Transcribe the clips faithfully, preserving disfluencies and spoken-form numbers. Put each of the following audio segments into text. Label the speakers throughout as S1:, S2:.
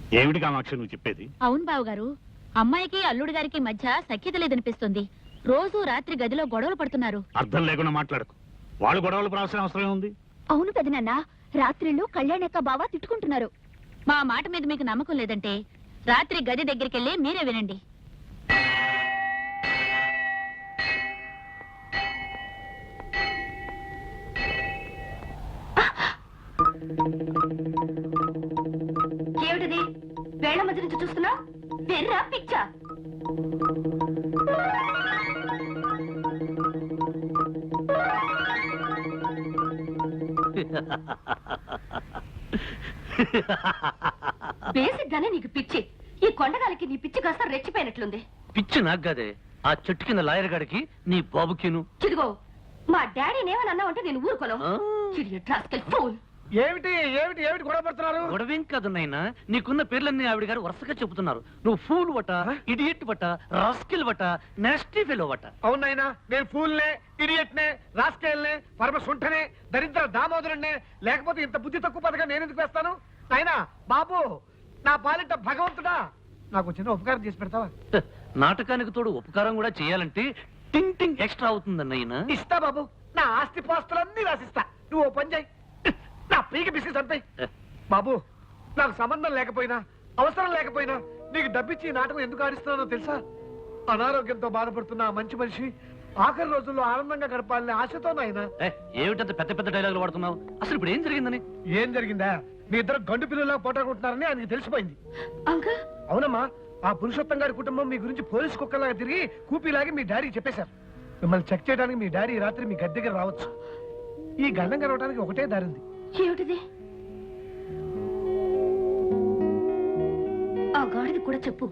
S1: ఏమిటి కామాక్షి నువ్వు చెప్పేది?
S2: అవును బావగారు, అమ్మాయికి అల్లుడి గారికి మధ్య సఖ్యత లేదనిపిస్తుంది. రోజు రాత్రి గదిలో గొడవలు పడుతున్నారు.
S1: అర్థం లేకుండా మాట్లాడకు. వాళ్ళు గొడవలు పడాల్సిన అవసరం ఉంది.
S2: అవును పెదనాన్న, రాత్రిళ్ళు కళ్యాణ్ యొక్క బావ తిట్టుకుంటున్నారు. మా మాట మీద మీకు నమ్మకం లేదంటే రాత్రి గది దగ్గరికి వెళ్ళి మీరే వినండి.
S3: ఏమిటిది? వేళ్ల మధ్య నుంచి చూస్తున్నా వెర్రా పిచ్చా? బేసిక్ గానే నీకు పిచ్చి. ఈ కొండగాలికి నీ పిచ్చి కాస్త రెచ్చిపోయినట్లుంది.
S4: పిచ్చి నాకు కాదే, ఆ చెట్టు కింద లాయర్ గాడికి నీ బాబుకిను.
S3: చిదిగో, మా డాడీని ఏమని అన్నావు అంటే నేను ఊరుకోను.
S5: ఏమిటి ఏమిటి ఏమిటి గొడవ పడుతున్నారు?
S4: గొడవేం కాదు నాయనా, నీకున్న పేర్లన్నీ ఆవిడ గారు వరుసగా చెబుతున్నారు. నువ్వు ఫూల్ వట, ఇడియట్ వట, రాస్కిల్ వట, నెస్టీ ఫెలో వట.
S5: అవునైనా, నేను ఫూల్ నే, ఇడియట్ నే, రాస్కెల్ నే, పరమ సుంఠనే, దరిద్ర దామోదరుణ్ణే. లేకపోతే ఇంత బుద్ధి తక్కువ పథకం నేను ఎందుకు వేస్తాను? నాయనా బాబు, నా పాలిట భగవంతుడా, నాకు చిన్న ఉపకారం చేసి పెడతావా?
S4: నాటకానికి తోడు ఉపకారం కూడా చేయాలంటే టింగ్ టింగ్ ఎక్స్ట్రా అవుతుందన్నయ్యనా.
S5: ఇస్తా బాబు, నా ఆస్తి పాస్తులన్నీ రాసిస్తా. నువ్వు ఓ పని చేయి, నా పీకి బిస్కెట్ అంతాయి. బాబు, నాకు సంబంధం లేకపోయినా అవసరం లేకపోయినా నీకు డబ్బిచ్చి నాటకం ఎందుకు ఆడిస్తున్నానో తెలుసా? అనారోగ్యంతో బాధపడుతున్న మంచి మనిషి ఆఖరి రోజుల్లో ఆనందంగా గడపాలని ఆశతో. నాయన
S4: ఏమిటంత పెద్ద పెద్ద డైలాగులు వాడుతున్నావు? అసలు ఇప్పుడు ఏం జరిగిందని?
S5: ఏం జరిగిందా? మీ ఇద్దరు గండు పిల్లలా పోటాడుకుంటున్నారని ఆయనకి తెలిసిపోయింది. అవునమ్మా, ఆ పురుషోత్తం గారి కుటుంబం మీ గురించి పోలీసు కుక్కలాగా తిరిగి కూపీలాగి మీ డాడీకి చెప్పేశారు. మిమ్మల్ని చెక్ చేయడానికి మీ డాడీ రాత్రి మీ గది దగ్గర రావచ్చు. ఈ గండం గడవడానికి ఒకటే దారి ఉంది.
S3: ఏమిటిది? ఆ గాడిది కూడా చెప్పు.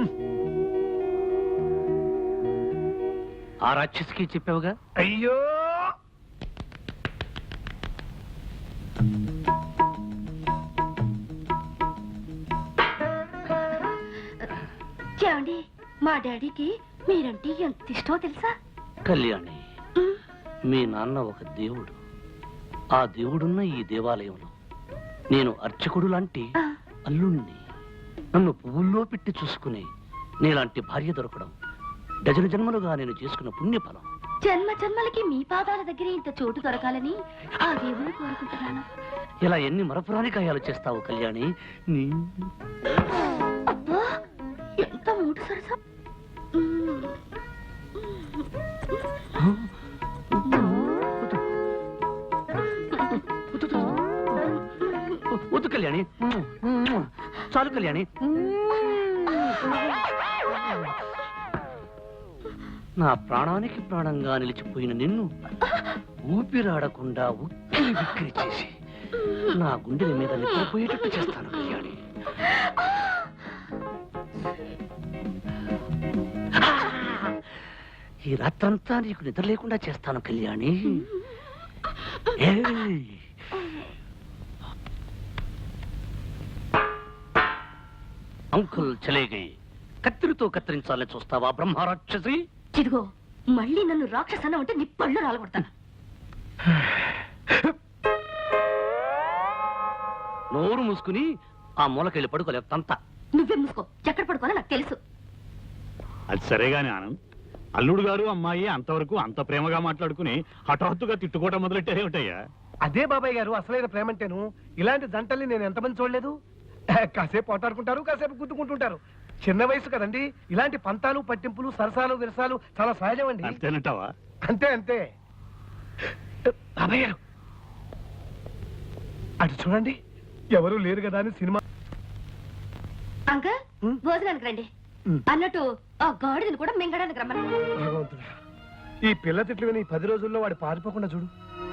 S4: ఆ రాక్షసికి చెప్పావుగా?
S5: అయ్యో,
S3: ఏమండి, మా డాడీకి మీరంటే ఎంత ఇష్టమో తెలుసా?
S4: కళ్యాణి, మీ నాన్న ఒక దేవుడు. ఆ దేవుడున్న ఈ దేవాలయంలో నేను అర్చకుడు లాంటి అల్లుణ్ణి. నన్ను పువ్వుల్లో పెట్టి చూసుకుని నీలాంటి భార్య దొరకడం డజన జన్మలుగా నేను చేసుకున్న పుణ్యఫలం.
S3: జన్మ జన్మలకి మీ పాదాల దగ్గర ఇంత చోటు దొరకాలని ఆ దేవుని కోరుకుంటున్నాను.
S4: ఇలా ఎన్ని మరపురాని కాయాలు చేస్తావు కళ్యాణి? నీ
S3: అబ్బా, ఎంత మూడు సరసం.
S4: వద్దు కళ్యాణి, చాలు కళ్యాణి. నా ప్రాణానికి ప్రాణంగా నిలిచిపోయిన నిన్ను ఊపిరాడకుండా ఉక్కిరి బిక్కిరి చేసి నా గుండెల మీద నిద్రపోయేటట్టు చేస్తాను కళ్యాణి. ఈ రాత్రంతా నీకు నిద్ర లేకుండా చేస్తాను కళ్యాణి. అంకుల్ చలేగై, కత్తిరితో కత్తిరించాలని చూస్తావా బ్రహ్మరాక్షసి?
S3: ఇదిగో, మళ్ళీ నన్ను రాక్షసన ఉంటే నీ పళ్ళు రాలగొడతాను.
S4: నోరు మూసుకుని ఆ మూలకెళ్ళి పడుకోలేవు తంత.
S3: నువ్వే మూసుకో, ఎక్కడ పడుకోవాలో నాకు తెలుసు.
S1: అది సరేగాని ఆనంద్, అల్లుడు గారు అమ్మాయి అంతవరకు అంత ప్రేమగా మాట్లాడుకుని హఠాత్తుగా తిట్టుకోవటం మొదలెట్టారేమిటయ్యా?
S5: అదే బాబాయ్ గారు అసలైన ప్రేమంటేను. ఇలాంటి జంటల్ని నేను ఎంతమంది చూడలేదు. కాసేపు పోటాడుకుంటారు, కాసేపు గుద్దుకుంటుంటారు. చిన్న వయసు కదండి, ఇలాంటి పంతాలు పట్టింపులు సరసాలు విరసాలు చాలా సహజం అండి.
S1: అంతేనంటావా?
S5: అంతే అంతే. బాబాయ్ గారు అటు చూడండి, ఎవరు లేరు కదా అని సినిమా.
S3: అంకల్, భోజనానికి రండి. అన్నట్టు ఆ గాడిదని కూడా మింగడానికి రమ్మని.
S5: భగవంతుడా, ఈ పిల్ల తిట్లు విని పది రోజుల్లో వాడు పారిపోకుండా చూడు.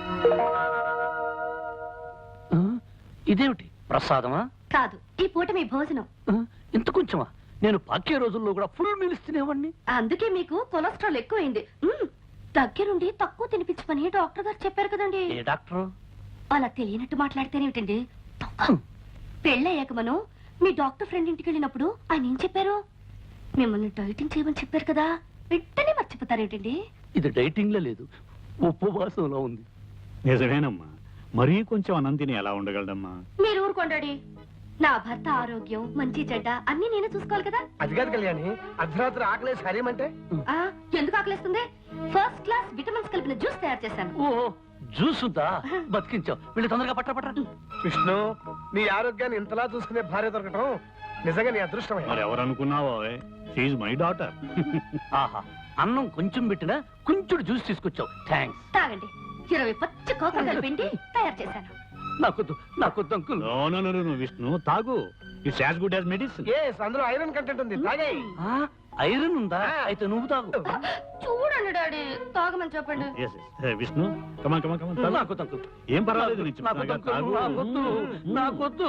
S4: ఇదేమిటి ప్రసాదమా?
S3: కాదు, ఈ పూట మీ భోజనం.
S4: ఇంత కొంచెమా? నేను పాకే రోజుల్లో కూడా ఫుల్ మీల్స్ తినేవాడిని.
S3: అందుకే మీకు కొలెస్ట్రాల్ ఎక్కువైంది. దగ్గరుండి తక్కువ తినిపించమని డాక్టర్ గారు చెప్పారు కదండి.
S4: ఏ డాక్టర్?
S3: అలా తెలియనట్టు మాట్లాడితేనేమిటండి. పెళ్ళయ్యాక మనం మీ డాక్టర్ ఫ్రెండ్ ఇంటికి వెళ్ళినప్పుడు ఆయన ఏం చెప్పారు? మిమ్మల్ని డైటింగ్ చేయమని చెప్పారు కదా, వెంటనే మర్చిపోతారేమిటండి?
S4: ఇది డైటింగ్ లో లేదు, ఉపవాసంలో ఉంది.
S1: నిజమేనమ్మా, మరీ కొంచెం అన్నం తిని ఎలా ఉండగలడమ్మా?
S3: మీరు ఊరుకోండి. నా భర్త ఆరోగ్యం మంచి చెడ్డ అన్ని నేనే చూసుకోవాలి కదా.
S5: అది కాదు కళ్యాణి, అర్ధరాత్రి ఆకలేసి హరేమంటే
S3: ఆ ఎందుకు ఆకలిస్తుంది? ఫస్ట్ క్లాస్ విటమిన్స్ కలిపిన జ్యూస్ తయారు చేశాను.
S4: ఓ జ్యూస్ ఉందా? బతికించావు. వీళ్ళు తొందరగా పట్ట పట్ట.
S5: విష్ణు, నీ ఆరోగ్యాన్ని ఇంతలా చూసుకునే భార్య దొరకటం నిజంగా నీ అదృష్టమే.
S1: మరి ఎవరు అనుకున్నావో షీఈ్ మై డాటర్.
S4: ఆహా, అన్నం కొంచెం పెట్టినా కొంచెం జ్యూస్ తీసుకొచ్చావు. థ్యాంక్స్.
S3: తాగండి. ఇరవై పచ్చి కోకలు కలిపిండి తయారు చేశాను.
S4: నాకొద్దు నాకొద్దు uncle.
S1: No no no no Vishnu, తాగు. It's as good as medicine.
S5: Yes, అందులో ఐరన్ కంటెంట్ ఉంది, తాగే.
S4: ఆ, ఐరన్ ఉందా? అయితే నువ్వు తాగు.
S3: చూడండి డాడీ, తాగమని చెప్పండి.
S1: Yes yes Vishnu, come on come on come on.
S4: నాకొద్దు అంకుల్.
S1: ఏం పర్వాలేదు, నేను
S4: నాకొద్దు
S1: చెప్తాగా,
S4: అంకుల్.
S1: తాగు.
S4: నాకొద్దు నాకొద్దు.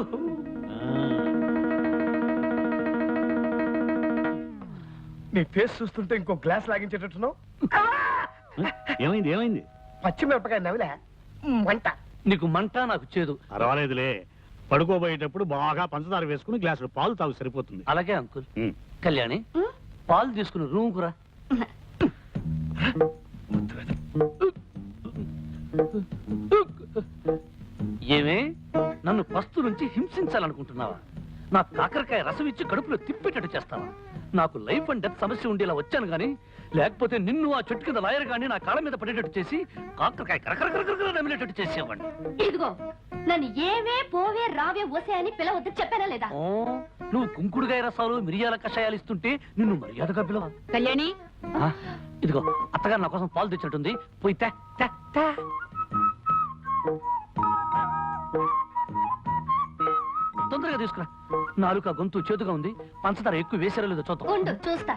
S5: నీ ఫేస్ చూస్తుంటే ఇంకో గ్లాస్ లాగించేటట్టున్నావు.
S1: ఆ, ఏమైంది ఏమైంది?
S5: పచ్చిమిరపకాయ నవిలే వంట.
S4: నీకు మంట, నాకు చేదు.
S1: పర్వాలేదులే, పడుకోబోయేటప్పుడు బాగా పంచదార వేసుకుని గ్లాసులు పాలు తాగు, సరిపోతుంది.
S4: అలాగే అంకుల్.
S1: ఉమ్.
S4: కళ్యాణి, పాలు తీసుకుని రూమ్ కురా. ఏమే, నన్ను పస్తు నుంచి హింసించాలనుకుంటున్నావా? నా కాకరకాయ రసం ఇచ్చి కడుపులో తిప్పేటట్టు చేస్తావా? నాకు లైఫ్ అండ్ డెత్ సమస్య ఉండేలా వచ్చాను గానీ, లేకపోతే నిన్ను ఆ చెట్టు కింద లాయర్ గాని నా కాళ్ళ మీద పడేటట్టు చేసి కాకరకాయ కరకరకరకర నమిలేటట్టు చేసేవాడిని.
S3: ఇదిగో, నన్ను ఏవే పోవే రావే ఓసే అని పిలవద్దు చెప్పానా లేదా?
S4: ఓ, నువ్వు కుంకుడుగాయ రసాలు మిరియాల కషాయాలు ఇస్తుంటే నిన్ను మర్యాదగా పిలవ.
S2: కళ్యాణి,
S4: ఆ, ఇదిగో అత్తగారు నా కోసం పాలు తెచ్చినట్టుంది, పోయి తే, తే, తే. తొందరగా తీసుకురా. నాలుక గొంతు చేతుగా ఉంది, పంచదార ఎక్కువ వేసారో లేదో చూద్దాం.
S3: ఉండు చూస్తా.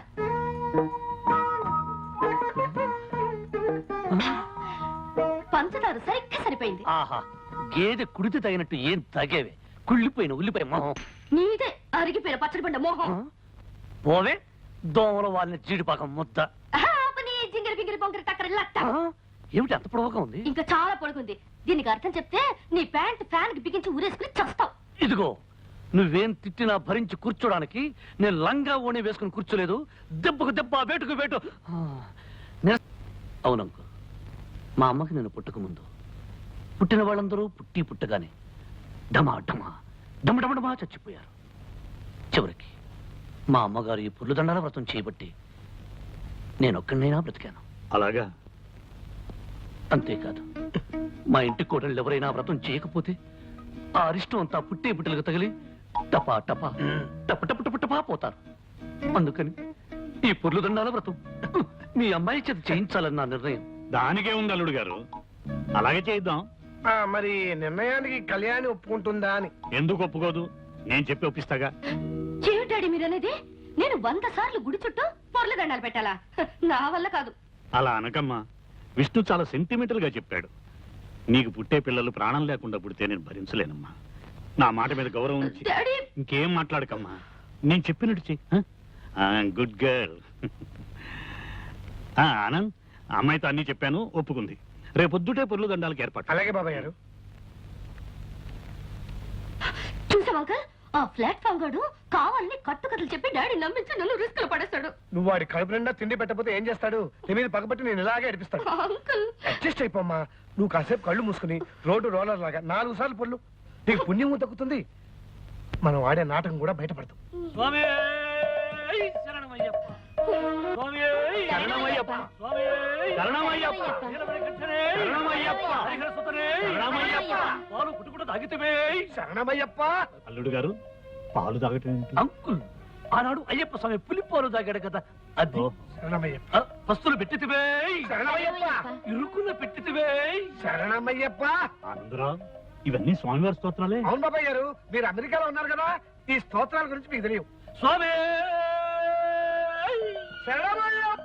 S3: పంచదార సరిగ్గా సరిపోయింది.
S4: ఆహా, గేదె కుడితే తగినట్టు ఏం తగేవే, కుళ్ళిపోయిన ఉల్లిపాయ మొహం.
S3: నీదే అరిగిపోయిన పచ్చడి పండ మోహం.
S4: ఆ? పోవే, దోమల వాళ్ళని జీడిపాకం ముద్ద.
S3: ఆపని జింగిరి పింగిరి పొంగిరి టక్కరి లట్ట.
S4: ఆ? ఏమిటి అంత పొడవుగా ఉంది?
S3: ఇంకా చాలా పొడుగుంది. దీనికి అర్థం చెప్తే నీ ప్యాంట్ ఫ్యాన్ కి బిగించి ఊరేసుకుని చస్తావు.
S4: ఇదిగో, నువ్వేం తిట్టినా భరించి కూర్చోడానికి నేను లంగా ఓణి వేసుకుని కూర్చోలేదు. దెబ్బకు దెబ్బ, వేటుకు వేటు. ఆ, నిర- అవునంకు, మా అమ్మకి నేను పుట్టక ముందు పుట్టిన వాళ్ళందరూ పుట్టి పుట్టగానే డమా డమా డమ డమ డమా చచ్చిపోయారు. చివరికి మా అమ్మగారు ఈ పుర్లు దండాల వ్రతం చేయబట్టి నేను ఒక్కడినైనా బ్రతికాను.
S1: అలాగా?
S4: అంతేకాదు, మా ఇంటి కోడళ్ళు ఎవరైనా వ్రతం చేయకపోతే ఆ అరిష్టం అంతా పుట్టే పుట్టలకు తగిలి టపా టపా టప టప టప టపా పోతారు. అందుకని ఈ పుర్లు దండాల వ్రతం మీ అమ్మాయి చేత చేయించాలని నా నిర్ణయం.
S1: దానికే ఉంది అల్లుడు గారు, అలాగే చేద్దాం.
S5: ఆ, మరి నిర్ణయానికి కళ్యాణి ఒప్పుకుంటుందా అని.
S1: ఎందుకు ఒప్పుకోదు? నేను చెప్పి ఒప్పిస్తాగా.
S3: ఏమిటాడి మీరనేది? నేను వంద సార్లు గుడి చుట్టూ పొర్ల దండాలు పెట్టాలా? హ, నా వల్ల కాదు.
S1: అలా అనకమ్మా, విష్ణు చాలా సెంటిమెంటల్ గా చెప్పాడు. నీకు పుట్టే పిల్లలు ప్రాణం లేకుండా పుడితే నేను భరించలేనమ్మా. నా మాట మీద గౌరవం ఉంచి
S3: డాడీ,
S1: ఇంకేం మాట్లాడకమ్మా, నేను చెప్పినట్టు చెయ్యి. Good girl. ఆనంద్, అమ్మాయితో అన్ని చెప్పాను, ఒప్పుకుంది. రేపొద్దుటే పొర్లు దండాలకు ఏర్పాటు.
S5: అలాగే బాబాయ్ గారు.
S3: చూసావా అంకల్? ఆ ప్లాట్ఫామ్ గాడు కావాలని కట్టు కథలు చెప్పి డాడీ నమ్మించి నన్ను రిస్క్ లో పడేస్తాడు.
S5: నువ్వు వాడి కడుపు నిండా తిండి పెట్టకపోతే ఏం చేస్తాడు? నీ మీద పగబట్టి నేను ఇలాగే అడిపిస్తాడు.
S3: Uncle,
S5: adjust అయిపోమ్మా. నువ్వు కాసేపు కళ్ళు మూసుకుని రోడ్డు రోలర్ లాగా నాలుగు సార్లు పొల్లు, నీకు పుణ్యము దక్కుతుంది. మనం ఆడే నాటకం కూడా బయటపడతాం.
S4: స్వామి శరణమయ్యప్ప, స్వామి
S1: శరణమయ్యప్ప, శరణమయ్యప్ప, శరణమయ్యప్ప, శరణమయ్యప్ప.
S4: పాలు పుట్టుకుంటూ తాగితే
S5: శరణమయ్యప్ప.
S1: అల్లుడు గారు, పాలు తాగటం ఏంటి?
S4: అంకుల్, ఆనాడు అయ్యప్ప స్వామి పులిపాలు తాగాడు కదా, అది.
S1: ఓ,
S5: శరణమయ్యప్ప.
S4: ఆ, పస్తులు పెట్టితివే,
S5: శరణమయ్యప్ప.
S4: ఇరుకున్న పెట్టితివే.
S5: శరణమయ్యప్ప.
S1: ఆనందరావు, ఇవన్నీ స్వామివారి స్తోత్రాలే.
S5: అవును బాబాయ్ గారు, మీరు అమెరికాలో ఉన్నారు కదా, ఈ స్తోత్రాల గురించి మీకు తెలియవు.
S4: స్వామి
S5: శరణమయ్యప్ప.